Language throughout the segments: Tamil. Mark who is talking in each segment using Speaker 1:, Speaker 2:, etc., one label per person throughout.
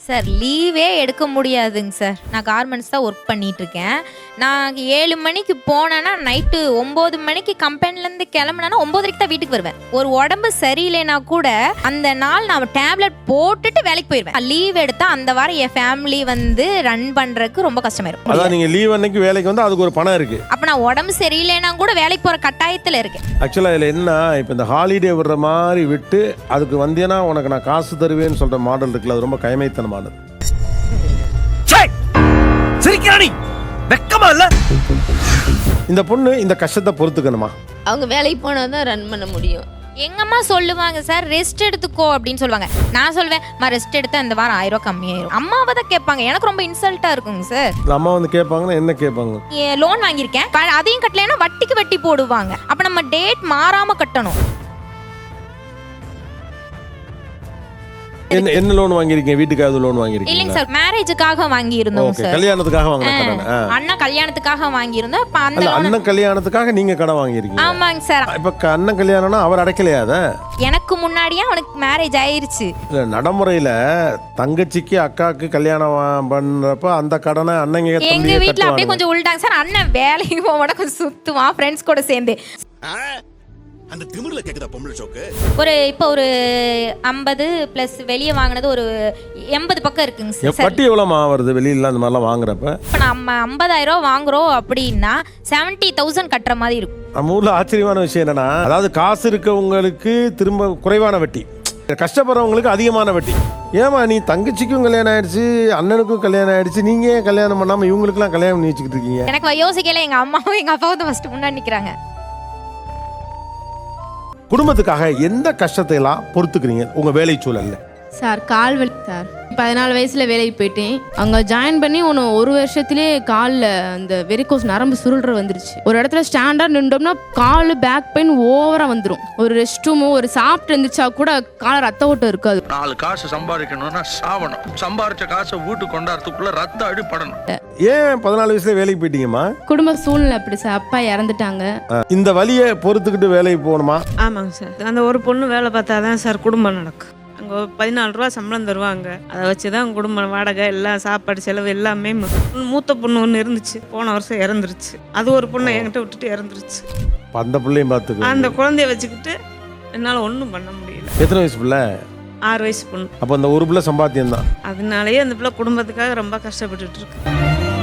Speaker 1: சார் லீவே எடுக்க முடியாதுங்க சார். நான் கார்மெண்ட்ஸ் தான் ஒர்க் பண்ணிட்டு இருக்கேன். நான் 7 மணிக்கு போனேன்னா நைட்டு 9 மணிக்கு கம்பெனிலேருந்து கிளம்புனா 9:30 தான் வீட்டுக்கு வருவேன். ஒரு உடம்பு சரியில்லைனா கூட அந்த நாள் நான் டேப்லெட் போட்டுட்டு வேலைக்கு போயிடுவேன். லீவ் எடுத்தா அந்த வாரம் என் ஃபேமிலி வந்து ரன் பண்றதுக்கு ரொம்ப கஷ்டமாயிருக்கும்.
Speaker 2: அதான் நீங்க லீவ் அன்னைக்கு வேலைக்கு வந்து அதுக்கு ஒரு பணம் இருக்கு.
Speaker 1: அப்ப நான் உடம்பு சரியில்லைனா கூட வேலைக்கு போற கட்டாயத்துல இருக்கேன்.
Speaker 2: ஆக்சுவலா இதுல என்ன, இப்ப இந்த ஹாலிடே விடுற மாதிரி விட்டு அதுக்கு வந்தேன்னா உனக்கு நான் காசு தருவேன்னு சொல்ற மாடல் இருக்குல்ல, அது ரொம்ப கைமைத்தனமானது. இந்த பொண்ணு இந்த கஷ்டத்தை பொறுத்துக்கணுமா?
Speaker 3: அவங்க வேலைக்கு போனாதான் ரன் பண்ண முடியும்.
Speaker 1: எங்கம்மா சொல்லுவாங்க சார் ரெஸ்ட் எடுத்துக்கோ அப்படின்னு சொல்லுவாங்க. நான் சொல்வேன் ரெஸ்ட் எடுத்தா இந்த வாரம் 1000 ரூபாய் கம்மியாயிரும். அம்மாவை தான் கேட்பாங்க. எனக்கு ரொம்ப இன்சல்ட்டா இருக்குங்க சார்.
Speaker 2: அம்மா வந்து கேட்பாங்கன்னா என்ன கேட்பாங்க?
Speaker 1: லோன் வாங்கியிருக்கேன், அதையும் கட்டலைன்னா வட்டிக்கு வட்டி போடுவாங்க. அப்ப நம்ம டேட் மாறாம கட்டணும்.
Speaker 2: என்ன லோன் வாங்கிருக்கீங்க? வீட்டுக்காக லோன் வாங்கிருக்கீங்க?
Speaker 1: இல்லைங்க சார், மேரேஜுக்காக வாங்கி இருந்தோம் சார்.
Speaker 2: கல்யாணத்துக்காக வாங்கின
Speaker 1: அண்ணா கல்யாணத்துக்காக வாங்கி இருந்தோம். இப்ப அந்த
Speaker 2: அண்ணன் கல்யாணத்துக்காக நீங்க கடன் வாங்கிருக்கீங்க?
Speaker 1: ஆமாங்க சார்.
Speaker 2: இப்ப அண்ணன் கல்யாணம்னா அவர் அடைக்கலையா? அத
Speaker 1: எனக்கு முன்னாடியே அவனுக்கு மேரேஜ் ஆயிருச்சு.
Speaker 2: இல்ல, நடைமுறையில தங்கச்சிக்கு அக்காக்கு கல்யாணம் பண்றப்ப அந்த கடனை அண்ணங்க
Speaker 1: எங்க வீட்டுல அப்படியே கொஞ்சம் உள்டாங்க சார். அண்ணன் வேலைக்கு போக கொஞ்சம் சுத்துவான் ஃப்ரெண்ட்ஸ் கூட சேர்ந்து.
Speaker 4: அந்த திமிர்ல கேக்குதா பொம்பளை சோக்கு?
Speaker 1: இப்போ ஒரு 50 பிளஸ் வெளியே வாங்கினது ஒரு 80 பக்கம் இருக்குங்க சார்.
Speaker 2: வட்டி எவ்வளவு வருது வெளியில அந்த மாதிரிலாம் வாங்குறப்ப?
Speaker 1: இப்போ நம்ம 50,000 ரூபா வாங்குறோம் அப்படின்னா 70,000 கட்டுற மாதிரி இருக்கும்.
Speaker 2: நம்ம ஊர்ல ஆச்சரியமான விஷயம் என்னன்னா, அதாவது காசு இருக்கவங்களுக்கு திரும்ப குறைவான வட்டி, கஷ்டப்படுறவங்களுக்கு அதிகமான வட்டி. ஏமா நீ தங்கச்சிக்கும் கல்யாணம் ஆயிடுச்சு, அண்ணனுக்கும் கல்யாணம் ஆயிடுச்சு, நீங்க ஏன் கல்யாணம் பண்ணாம இவங்களுக்குலாம் கல்யாணம் பண்ணி வச்சுக்கிட்டு இருக்கீங்க?
Speaker 1: எனக்கு யோசிக்கல. எங்க அம்மாவும் எங்க அப்பாவும் தான் ஃபர்ஸ்ட் முன்னாடி நிக்கிறாங்க.
Speaker 2: குடும்பத்துக்காக எந்த கஷ்டத்தை எல்லாம் பொறுத்துக்கிறீங்க உங்க வேலை சூழல்ல?
Speaker 3: சார் கால் வலி சார். 14 வயசுல வேலைக்கு போயிட்டேன். அங்கே ஜாயின் பண்ணி ஒரு வருஷத்துலேயே காலில் அந்த வெரிகோஸ் நரம்பு சுருள்ற வந்துருச்சு. ஒரு இடத்துல ஸ்டாண்டாக நின்றோம்னா கால் பேக் பெயின் ஓவராக வந்துடும். ஒரு ரெஸ்ட் ரூமு ஒரு சாப்பிட்டு இருந்துச்சா கூட கால ரத்த ஓட்டம் இருக்காது.
Speaker 5: 4 காசு சம்பாதிக்கணும்னா சாவணும், சம்பாதிச்ச காசை வீட்டுக்கு கொண்டாடுறதுக்குள்ள ரத்த அடிப்படணும்.
Speaker 2: ஏன் 14 வயசுல வேலைக்கு போயிட்டீங்கம்மா?
Speaker 3: குடும்ப சூழ்நிலை அப்படி சார். அப்பா இறந்துட்டாங்க.
Speaker 2: இந்த வலியை பொறுத்துக்கிட்டு வேலைக்கு போகணுமா?
Speaker 6: ஆமாங்க சார். அந்த ஒரு பொண்ணு வேலை பார்த்தாதான் சார் குடும்பம் நடக்கும். அங்கே 14 ரூபா சம்பளம் தருவாங்க. அதை வச்சு தான் குடும்பம் வாடகை எல்லாம் சாப்பாடு செலவு எல்லாமே. மூத்த பொண்ணு ஒன்று இருந்துச்சு, போன வருஷம் இறந்துருச்சு. அது ஒரு பொண்ணை என்கிட்ட விட்டுட்டு இறந்துருச்சு.
Speaker 2: அந்த பிள்ளையும் பார்த்துக்க,
Speaker 6: அந்த குழந்தைய வச்சுக்கிட்டு என்னால் ஒன்றும் பண்ண முடியல.
Speaker 2: எத்தனை வயசு பிள்ளை?
Speaker 6: 6 வயசு பொண்ணு.
Speaker 2: அப்போ அந்த ஒரு பிள்ளை சம்பாத்தியம் தான்.
Speaker 6: அதனாலேயே அந்த பிள்ளை குடும்பத்துக்காக ரொம்ப கஷ்டப்பட்டுட்டு இருக்கு.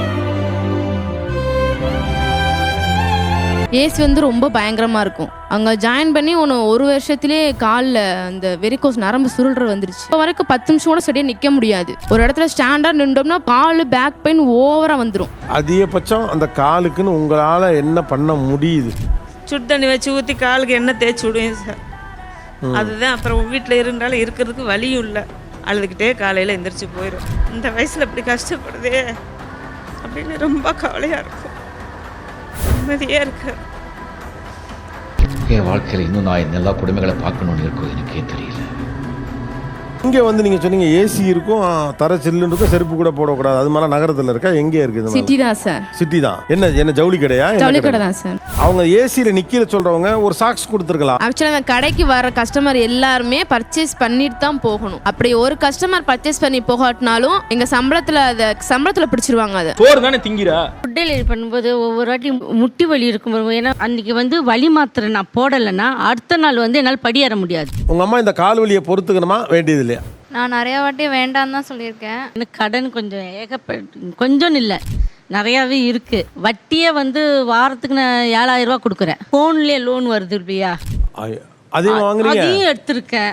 Speaker 3: ஏசி ரொம்ப பயங்கரமாக இருக்கும். அங்கே ஜாயின் பண்ணி ஒரு வருஷத்துலேயே காலில் அந்த வெரிகோஸ் நரம்பு சுருள்ற வந்துருச்சு. இப்போ வரைக்கும் 10 நிமிஷம் கூட சரியாக நிற்க முடியாது. ஒரு இடத்துல ஸ்டாண்டாக நின்றோம்னா கால் பேக் பெயின் ஓவராக வந்துடும்.
Speaker 2: அதிகபட்சம் அந்த காலுக்குன்னு உங்களால் என்ன பண்ண முடியுது?
Speaker 6: சுடு தண்ணி வச்சு ஊற்றி காலுக்கு எண்ணெய் தேய்ச்சி விடுவேன் சார். அதுதான். அப்புறம் வீட்டில் இருந்தாலும் இருக்கிறதுக்கு வலியும் இல்லை. அழுதுகிட்டே காலையில் எந்திரிச்சு போயிடும். இந்த வயசில் இப்படி கஷ்டப்படுதே அப்படின்னு ரொம்ப கவலையாக இருக்கும். நிம்மதியாக இருக்கு.
Speaker 7: என் வாழ்க்கையில் இன்னும் நான் எல்லா குடும்பங்களை பார்க்கணும்னு இருக்கும், எனக்கே தெரியல.
Speaker 2: இங்கே நீங்கள் சொன்னீங்க ஏசி இருக்கும், தர சில்லுன்னு இருக்கும், செருப்பு கூட போடக்கூடாது. அது மாதிரி நகரத்தில் இருக்கா? எங்கே இருக்குது?
Speaker 3: சிட்டி தான் சார்.
Speaker 2: சிட்டி தான். என்ன ஜவுளி கடையா?
Speaker 3: ஜவுளி கடை தான் சார்.
Speaker 2: அவங்க ஏசியில் நிற்கிற சொல்கிறவங்க ஒரு சாக்ஸ் கொடுத்துருக்கலாம்.
Speaker 3: ஆக்சுவலாக அந்த கடைக்கு வர கஸ்டமர் எல்லாருமே பர்ச்சேஸ் பண்ணிட்டு தான் போகணும். அப்படி ஒரு கஸ்டமர் பர்ச்சேஸ் பண்ணி போகாட்டினாலும் எங்கள் சம்பளத்தில் பிடிச்சிருவாங்க. அதை
Speaker 8: சோறு தானே திங்கிறா.
Speaker 9: ஃபுட் டெலிவரி பண்ணும்போது ஒவ்வொரு வாட்டி முட்டி வலி இருக்கும். ஏன்னா அன்னைக்கு வலி மாத்திரை நான் போடலைன்னா அடுத்த நாள் என்னால் படியேற முடியாது.
Speaker 2: உங்கள் அம்மா இந்த கால் வலியை பொறுத்துக்கணுமா வேண்டியது இல்லையா?
Speaker 10: நான் நிறைய வாட்டி வேண்டான்னு தான் சொல்லியிருக்கேன்.
Speaker 9: எனக்கு கடன் கொஞ்சம் இல்லை, நிறையாவே இருக்கு. வட்டியே வாரத்துக்கு நான் 7,000 ரூபா கொடுக்குறேன். ஃபோன்லேயே லோன் வருது இல்லையா, அதையும் எடுத்திருக்கேன்.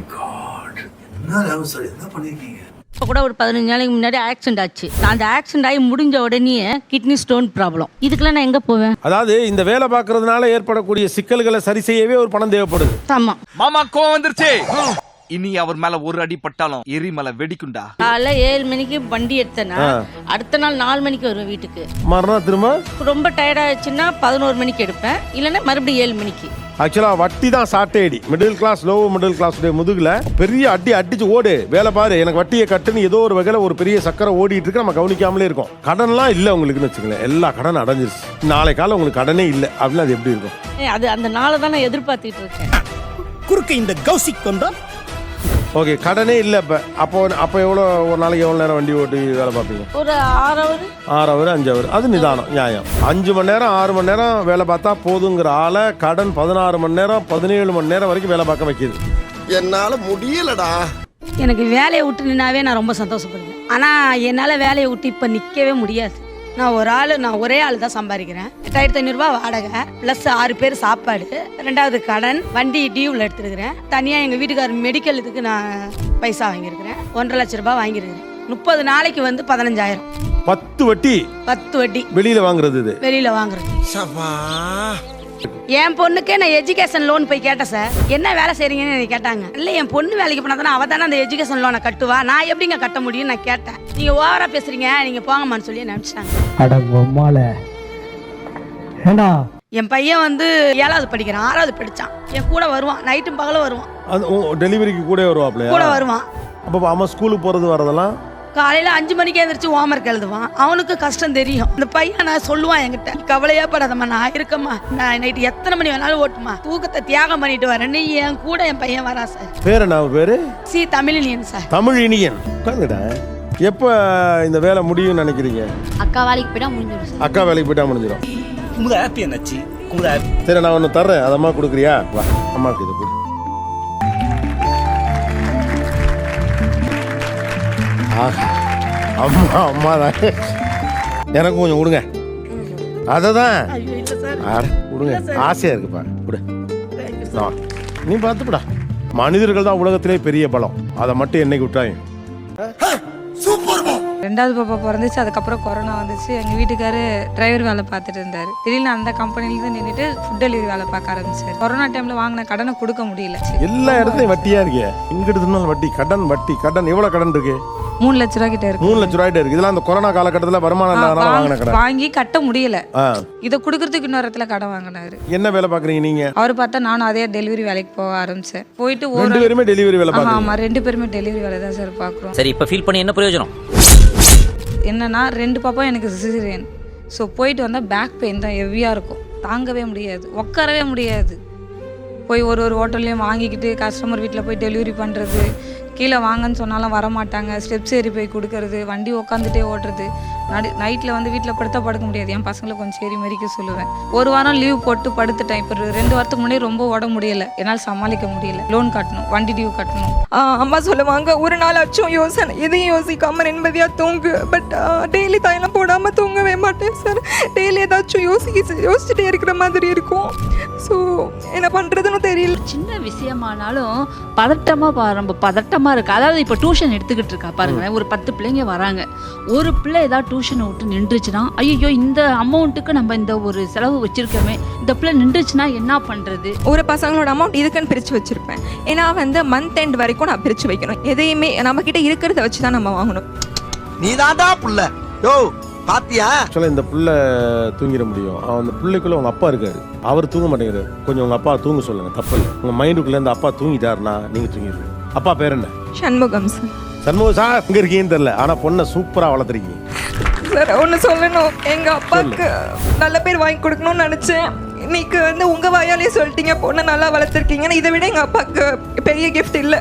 Speaker 9: இப்போ கூட ஒரு 15 நாளைக்கு முன்னாடி ஆக்சிடென்ட் ஆச்சு. நான் அந்த ஆக்சிடென்ட் ஆகி முடிஞ்ச உடனே கிட்னி ஸ்டோன் ப்ராப்ளம். இதுக்கெல்லாம் நான் எங்கே போவேன்?
Speaker 2: அதாவது இந்த வேலை பார்க்கறதுனால ஏற்படக்கூடிய சிக்கல்களை சரி செய்யவே ஒரு பணம் தேவைப்படுது.
Speaker 9: ஆமா
Speaker 8: மாமா கோவம் வந்துருச்சு. இனி அவர் மேல ஒரு அடி பட்டாலும் எரிமலை வெடிக்குண்டா.
Speaker 9: காலைல 7 மணிக்கு வண்டி எடுத்தேன்னா அடுத்த நாள் 4 மணிக்கு வருவேன் வீட்டுக்கு.
Speaker 2: மறுநாள் திரும்ப
Speaker 9: ரொம்ப டயர்ட் ஆயிடுச்சுன்னா 11 மணிக்கு எடுப்பேன், இல்லைன்னா மறுபடியும் 7 மணிக்கு.
Speaker 2: ஆக்சுவலாக வட்டி தான் சாட்டேடி. Middle class low middle class முதுகுல பெரிய அடிச்சு ஓடு வேலை பாரு, எனக்கு வட்டியை கட்டுன்னு ஏதோ ஒரு வகையில் ஒரு பெரிய சக்கரை ஓடிட்டு இருக்கு. நம்ம கவனிக்காமலே இருக்கோம். கடன்லாம் இல்லை உங்களுக்குன்னு வச்சுக்கல, எல்லா கடன் அடைஞ்சிருச்சு. நாளை காலம் உங்களுக்கு கடனே இல்லை அப்படின்னு அது எப்படி இருக்கும்?
Speaker 9: அது அந்த நாளை தான் நான் எதிர்பார்த்துட்டு இருக்கேன்.
Speaker 4: குறுக்க இந்த கௌசிக் வந்தா
Speaker 2: ஓகே, கடனே இல்லை இப்போ. அப்போ எவ்வளோ ஒரு நாளைக்கு எவ்வளோ நேரம் வண்டி ஓட்டி வேலை பார்ப்பீங்க?
Speaker 9: ஒரு 6 ஹவர்
Speaker 2: 6 ஹவர் 5 ஹவர், அது நிதானம், நியாயம். 5 மணி நேரம் 6 மணி நேரம் வேலை பார்த்தா போதுங்கிற ஆளை கடன் 16 மணி நேரம் 17 மணி நேரம் வரைக்கும் வேலை பார்க்க வைக்கிது.
Speaker 4: என்னால முடியலடா.
Speaker 9: எனக்கு வேலையை விட்டு நின்னாவே நான் ரொம்ப சந்தோஷப்படுவேன். ஆனால் என்னால் வேலையை விட்டு இப்போ நிற்கவே முடியாது. நான் ஒரே ஆள் தான் சம்பாதிக்கிறேன். 8500 வாடகை ப்ளஸ் 6 பேர் சாப்பாடு, 2வது கடன், வண்டி டியூவில் எடுத்துருக்கிறேன். தனியாக எங்கள் வீட்டுக்காரர் மெடிக்கல் இதுக்கு நான் பைசா வாங்கியிருக்கிறேன். 1.5 லட்ச ரூபாய் வாங்கியிருக்கிறேன். 30 நாளைக்கு வந்து 15,000.
Speaker 2: 10 வட்டி
Speaker 9: 10 வட்டி
Speaker 2: வெளியில் வாங்குறது. இது
Speaker 9: வெளியில் வாங்குறது. என் பொண்ணுக்கே நான் எஜுகேஷன் லோன் போய் கேட்டேன் சார். என்ன வேலை செய்றீங்கன்னு கேட்டாங்க. இல்லை என் பொண்ணு வேலைக்கு போனா தானே அவள் தானே அந்த எஜுகேஷன் லோனை கட்டுவா, நான் எப்படிங்க கட்ட முடியும்னு நான் கேட்டேன். நீங்கள் ஓவராக பேசுறீங்க, நீங்கள் போங்கம்மான்னு சொல்லி நினச்சிட்டாங்க. என் பையன் வந்து 7வது படிக்கிறான், 6வது படித்தான். என் கூட வருவான், நைட்டும் பகலும் வருவான்.
Speaker 2: அது டெலிவரிக்கு கூட வருவாப்லையா?
Speaker 9: கூட வருவான்.
Speaker 2: அப்போ அம்மா ஸ்கூலுக்கு போகிறது வரதெல்லாம்
Speaker 9: காலையில் 5 மணிக்கு எழுந்திரிச்சு ஹோம்ஒர்க் எழுதுவான். அவனுக்கு கஷ்டம் தெரியும். இந்த பையன் நான் சொல்லுவான் என்கிட்ட, கவலையா படாதம்மா, நான் இருக்கம்மா, நான் நைட்டு எத்தனை மணி வேணாலும் ஓட்டுமா, தூக்கத்தை தியாகம் பண்ணிட்டு வரேன்னு என் கூட என் பையன் வரா சார்.
Speaker 2: பேர் என்ன பேரு?
Speaker 9: தமிழினியன் சார்.
Speaker 2: தமிழினியன். உட்காந்துடா. எப்போ இந்த வேலை முடியும்னு நினைக்கிறீங்க?
Speaker 10: அக்கா வேலைக்கு போயிட்டா முடிஞ்சிடும் சார்.
Speaker 2: அக்கா வேலைக்கு போயிட்டா முடிஞ்சிடும். சரி, நான் ஒன்று தர்றேன், அது அம்மா கொடுக்குறியா? வா, அம்மாவுக்கு இது கொடு. அம்மா தான். எனக்கு கொஞ்சம் கொடுங்க. அதை தான் கொடுங்க, ஆசையா இருக்குப்பா. கொடு. நீ பார்த்துப்படா. மனிதர்கள் தான் உலகத்திலே பெரிய பலம். அதை மட்டும் என்னைக்கு விட்டாயும்.
Speaker 6: 2வது பாப்பா பிறந்துச்சு. அதுக்கப்புறம் கொரோனா வந்துச்சு. எங்கள் வீட்டுக்காரு டிரைவர் வேலை பார்த்துட்டு இருந்தார். திடீர்னு அந்த கம்பெனிலேருந்து நின்றுட்டு ஃபுட் டெலிவரி வேலை பார்க்க ஆரம்பிச்சார். கொரோனா டைமில் வாங்கின கடனை கொடுக்க முடியல.
Speaker 2: எல்லா இடத்துலையும் வட்டியா இருக்கே. இங்க எடுத்துனாலும் வட்டி, கடன் வட்டி கடன். எவ்வளோ கடன் இருக்கு?
Speaker 6: 3 லட்ச ரூபா கிட்ட இருக்கு.
Speaker 2: 3 லட்ச ரூபாய்ட்டு இருக்கு. இதெல்லாம் அந்த கொரோனா காலகட்டத்தில் வருமானம் இல்லாதனால வாங்கின கடன்.
Speaker 6: வாங்கி கட்ட முடியல. இதை கொடுக்கறதுக்கு இன்னொரு இடத்துல கடன் வாங்கினாரு.
Speaker 2: என்ன வேலை பார்க்குறீங்க நீங்க?
Speaker 6: அவர் பார்த்தா நானும் அதே டெலிவரி வேலைக்கு போக ஆரம்பிச்சேன். போயிட்டு
Speaker 2: 2 பேருமே டெலிவரி வேலை பார்க்குறீங்க?
Speaker 6: ஆமாம், 2 பேருமே டெலிவரி வேலை தான் சார் பார்க்குறோம்.
Speaker 11: சரி, இப்போ ஃபீல் பண்ணி என்ன பிரயோஜனம்?
Speaker 6: என்னன்னா 2 பாப்பா எனக்கு சிசேரியன். ஸோ போயிட்டு வந்தால் பேக் பெயின் தான் ஹெவியாக இருக்கும். தாங்கவே முடியாது, உட்காரவே முடியாது. போய் ஒரு ஹோட்டல்லையும் வாங்கிக்கிட்டு கஸ்டமர் வீட்டில் போய் டெலிவரி பண்ணுறது, கீழே வாங்கன்னு சொன்னாலும் வரமாட்டாங்க, ஸ்டெப்ஸ் ஏறி போய் கொடுக்கறது, வண்டி உட்காந்துட்டே ஓட்டுறது. நைட்டில் வந்து வீட்டில் படுக்க முடியாது. என் பசங்களை கொஞ்சம் சரி மறிக்க சொல்லுவேன். 1 வாரம் லீவ் போட்டு படுத்துட்டேன். இப்போ 2 வாரத்துக்கு முன்னாடி ரொம்ப உடம்பு முடியலை, என்னால் சமாளிக்க முடியல. லோன் கட்டணும், வண்டி டியூ கட்டணும்.
Speaker 12: அம்மா சொல்லுவாங்க, ஒரு நாள் ஆச்சும் யோசனை எதையும் யோசிக்காமல் நிம்மதியாக தூங்கு. பட் டெய்லி தைலம் போடாமல் தூங்கவே மாட்டேன் சார். டெய்லி ஏதாச்சும் யோசிச்சுட்டே இருக்கிற மாதிரி இருக்கும். ஸோ என்ன பண்ணுறதுன்னு தெரியல.
Speaker 9: சின்ன விஷயமானாலும் ரொம்ப பதட்டமாக இருக்குது. அதாவது இப்போ டியூஷன் எடுத்துக்கிட்டு இருக்கா பாருங்க, ஒரு 10 பிள்ளைங்க வராங்க. ஒரு பிள்ளை ஏதாவது டியூஷனை விட்டு நின்றுச்சுன்னா, ஐயோ இந்த அமௌண்ட்டுக்கு நம்ம இந்த ஒரு செலவு வச்சிருக்கோமே, இந்த பிள்ளை நின்றுச்சுன்னா என்ன பண்ணுறது?
Speaker 12: ஒரு பசங்களோட அமௌண்ட் இதுக்குன்னு பிரித்து வச்சுருப்பேன். ஏன்னா வந்து மந்த் எண்ட் வரைக்கும் நான் பிரித்து வைக்கணும். எதையுமே நம்மக்கிட்ட இருக்கிறத வச்சு தான் நம்ம வாங்கணும்.
Speaker 4: நீ தாண்டா புள்ள. யோ பாத்தியா?
Speaker 2: ஆக்சுவலாக இந்த புள்ள தூங்கிட முடியும். அந்த பிள்ளைக்குள்ள உங்க அப்பா இருக்காரு, அவர் தூங்க மாட்டேங்கிறாரு. கொஞ்சம் உங்க அப்பா தூங்க சொல்லுங்க, தப்பு. உங்க மைண்டுக்குள்ள இந்த அப்பா தூங்கிட்டாருன்னா நீங்க தூங்கிடுங்க. அப்பா பேர் என்ன?
Speaker 12: சண்முகம் சார்.
Speaker 2: சண்முகம் சார் எங்க இருக்கீங்கன்னு தெரியல, ஆனா பொண்ணை சூப்பரா வளர்த்துருக்கீங்க
Speaker 12: சார். ஒன்று சொல்லணும், எங்கள் அப்பாவுக்கு நல்ல பேர் வாங்கி கொடுக்கணும்னு நினச்சேன். இன்னைக்கு வந்து உங்கள் வாயாலே சொல்லிட்டீங்க பொண்ணை நல்லா வளர்த்துருக்கீங்கன்னு. இதை விட எங்கள் அப்பாவுக்கு பெரிய கிஃப்ட் இல்லை.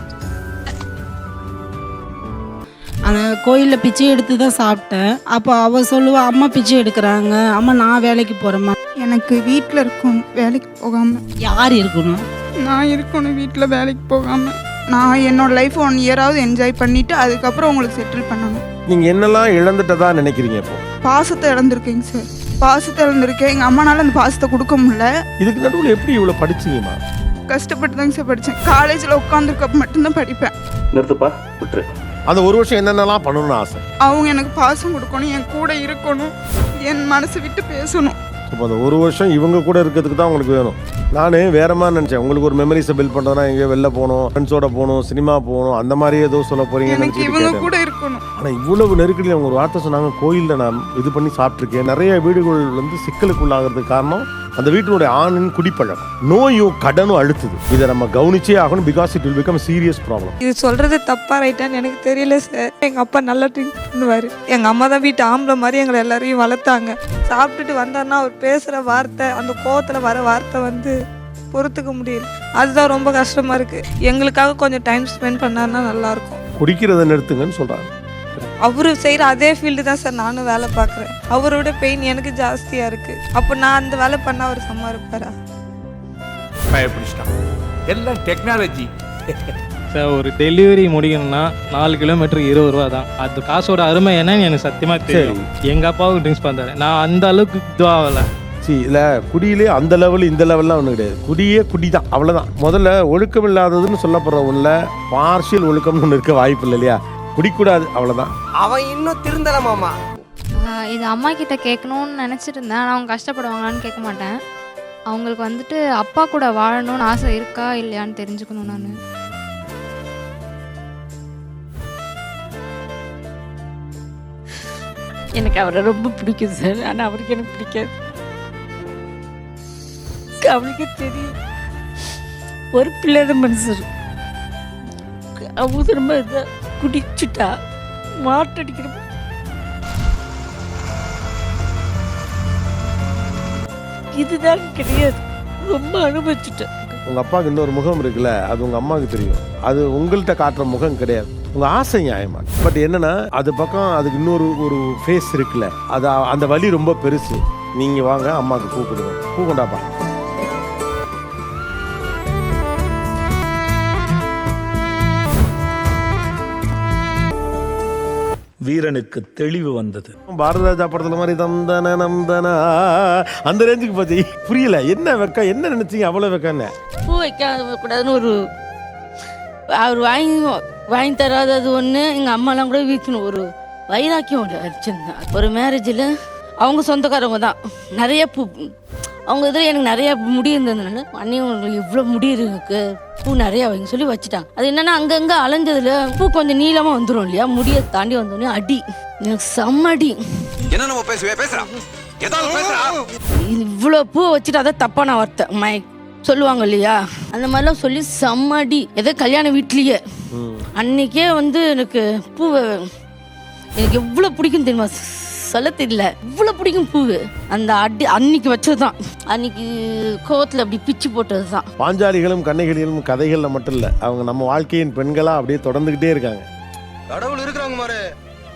Speaker 6: ஆனால் கோயிலில் பிச்சை எடுத்து தான் சாப்பிட்டேன். அப்போ அவள் சொல்லுவா, அம்மா பிச்சை எடுக்கிறாங்க, அம்மா நான் வேலைக்கு போகிறேம்மா.
Speaker 12: எனக்கு வீட்டில் இருக்கணும், வேலைக்கு போகாமல்.
Speaker 9: யார் இருக்கணும்?
Speaker 12: நான் இருக்கணும் வீட்டில் வேலைக்கு போகாமல். நான் என்னோட லைஃப் 1 இயராவது என்ஜாய் பண்ணிவிட்டு அதுக்கப்புறம் உங்களுக்கு செட்டில் பண்ணணும்.
Speaker 2: நீங்க என்னெல்லாம் இழந்துட்டதா நினைக்கிறீங்க? இப்போ
Speaker 12: பாசத்தை இழந்திருக்கேங்க சார். பாசத்தை இழந்திருக்கேன். எங்கள் அம்மானால அந்த பாசத்தை கொடுக்க முடியல.
Speaker 2: இதுக்கு நடுவில் எப்படி இவ்வளோ படிச்சீங்கம்மா?
Speaker 12: கஷ்டப்பட்டு தாங்க சார் படித்தேன். காலேஜில் உட்காந்துருக்கப்ப மட்டும்தான் படிப்பேன்.
Speaker 2: நிறுத்துப்பா, விட்டுரு. அந்த 1 வருஷம் என்னென்னலாம் பண்ணணும்னு ஆசை?
Speaker 12: அவங்க எனக்கு பாசம் கொடுக்கணும், என் கூட இருக்கணும், என் மனசை விட்டு பேசணும்.
Speaker 2: இப்போ அந்த 1 வருஷம் இவங்க கூட இருக்கிறதுக்கு தான் உங்களுக்கு வேணும். நான் வேற மாதிரி நினச்சேன், உங்களுக்கு ஒரு மெமரிஸை பில்ட் பண்ணுறதுனா எங்கேயோ வெளில போகணும், ஃப்ரெண்ட்ஸோட போகணும், சினிமா போகணும், அந்த மாதிரியே ஏதோ சொல்ல போறீங்க.
Speaker 12: எனக்கு இவங்க கூட இருக்கணும்.
Speaker 2: ஆனால் இவ்வளவு நெருக்கடியில் அவங்க ஒரு வார்த்தை சொன்னாங்க, கோயிலில் நான் இது பண்ணி சாப்பிட்ருக்கேன். நிறைய வீடுகள் வந்து சிக்கலுக்குள்ளாகிறதுக்கு காரணம் அந்த வீட்டினுடைய ஆணின் குடிப்பழக்கம், நோயும் கடனும் அழுத்துது. இதை நம்ம கவனிச்சே ஆகணும். Because it will become serious problem.
Speaker 12: இது சொல்றது தப்பா ரைட்டான்னு எனக்கு தெரியல சார். எங்கள் அப்பா நல்லா ட்ரிங்க் பண்ணுவார். எங்கள் அம்மா தான் வீட்டு ஆம்பளை மாதிரி எங்களை எல்லாரையும் வளர்த்தாங்க. சாப்பிட்டுட்டு வந்தாருன்னா அவர் பேசுகிற வார்த்தை, அந்த கோவத்தில் வர வார்த்தை வந்து
Speaker 6: பொறுத்துக்க முடியல. அதுதான் ரொம்ப கஷ்டமாக இருக்குது. எங்களுக்காக கொஞ்சம் டைம் ஸ்பெண்ட் பண்ணாருன்னா நல்லாயிருக்கும்.
Speaker 2: குடிக்கிறத நிறுத்துங்கன்னு சொல்றாங்க.
Speaker 6: அவரு செய்கிற அதே ஃபீல்டு தான் சார் நானும் வேலை பார்க்குறேன். அவரோட பெயின் எனக்கு ஜாஸ்தியாக இருக்குது. அப்போ நான் அந்த வேலை பண்ணால் அவர் சமாளிப்பாரா?
Speaker 8: பயப்பிடிச்சிட்டான். எல்லாம் டெக்னாலஜி.
Speaker 11: சார் ஒரு டெலிவரி முடிக்கணும்னா 4 கிலோமீட்டர் 20 ரூபா தான். அது காசோட அருமை என்னன்னு எனக்கு சத்தியமாக தெரியும். எங்கள் அப்பாவுக்கு ட்ரிங்க்ஸ் பண்ணுறாரு, நான் அந்த அளவுக்கு இதுவாகலை.
Speaker 2: இல்லை குடியிலே அந்த லெவல் இந்த லெவல்லாம் ஒன்றும் கிடையாது. குடியே குடி தான், அவ்வளோதான். முதல்ல ஒழுக்கம் இல்லாததுன்னு சொல்லப்படுற ஒன்றில் பார்ஷியல் ஒழுக்கம்னு ஒன்று இருக்க வாய்ப்பு இல்லை இல்லையா? குடிக்கூடாது, அவ்வளோதான்.
Speaker 4: அவன் இன்னும் திருந்தல மாமா.
Speaker 10: இது அம்மா கிட்ட கேட்கணும்னு நினச்சிட்டு இருந்தேன். ஆனால் அவங்க கஷ்டப்படுவாங்களான்னு கேட்க மாட்டேன். அவங்களுக்கு வந்துட்டு அப்பா கூட வாழணும்னு ஆசை இருக்கா இல்லையான்னு தெரிஞ்சுக்கணும். நான்
Speaker 9: எனக்கு அவரை ரொம்ப பிடிக்கும் சார். ஆனால் அவருக்கு எனக்கு பிடிக்காது. அவளுக்கு தெரியும் ஒரு பிள்ளைத மனுஷர். அவங்க ரொம்ப இதை குடிச்சுட்டா மாட்டடிக்கிற இதுதான் கிடையாது. ரொம்ப அனுபவிச்சுட்டேன்.
Speaker 2: உங்கள் அப்பாவுக்கு இன்னொரு முகம் இருக்குல்ல, அது உங்கள் அம்மாவுக்கு தெரியும். அது உங்கள்கிட்ட காட்டுற முகம் கிடையாது. உங்கள் ஆசை நியாயமா. பட் என்னன்னா அது பக்கம் அதுக்கு இன்னொரு ஃபேஸ் இருக்குல்ல, அது அந்த வலி ரொம்ப பெருசு. நீங்கள் வாங்க அம்மாவுக்கு பூ கொடுங்க. பூ கொண்டாப்பா.
Speaker 5: வீரனுக்கு தெளிவு வந்தது.
Speaker 2: பாரதராஜா படத்துல மாதிரி தந்தன நந்தனா அந்த ரேஞ்சுக்கு பார்த்து புரியல. என்ன வெக்க, என்ன நினைச்சீங்க அவ்வளோ வெக்கன்னு?
Speaker 9: பூ வைக்க கூடாதுன்னு ஒரு அவர் வாங்கி தராதது ஒன்று. எங்கள் அம்மாலாம் கூட வீக்கணும் ஒரு வைராக்கியம் வச்சுருந்தேன். ஒரு மேரேஜில் அவங்க சொந்தக்காரவங்க தான் நிறைய பூ, அவங்க இதில் எனக்கு நிறையா முடி இருந்ததுனால அண்ணி உங்களுக்கு இவ்வளோ முடி இருக்கு, பூ நிறையா வைங்க சொல்லி வச்சுட்டாங்க. அது என்னென்னா அங்கங்கே அலைஞ்சதுல பூ கொஞ்சம் நீளமாக வந்துடும் இல்லையா, முடியை தாண்டி வந்தோடனே அடி, எனக்கு செம்ம அடி.
Speaker 4: என்ன நம்ம பேசுறான்
Speaker 9: இவ்வளோ பூ வச்சுட்டு அதை தப்பான வார்த்தை சொல்லுவாங்க இல்லையா, அந்த மாதிரிலாம் சொல்லி செம்ம அடி. ஏதோ கல்யாண வீட்லேயே அன்னைக்கே வந்து எனக்கு பூவை எனக்கு எவ்வளோ பிடிக்கும் தெரியுமா, சொல்ல தெரியல, இவ்வளோ பிடிக்கும் பூவு. அந்த அடி அன்னைக்கு வச்சது தான், அன்னைக்கு கோவத்தில் அப்படி பிச்சு போட்டது தான்.
Speaker 2: பாஞ்சாலிகளும் கன்னிகளிலும் கதைகளில் மட்டும் இல்லை, அவங்க நம்ம வாழ்க்கையின் பெண்களாக அப்படியே தொடர்ந்துக்கிட்டே இருக்காங்க.
Speaker 4: கடவுள் இருக்கிறாங்க மாரு.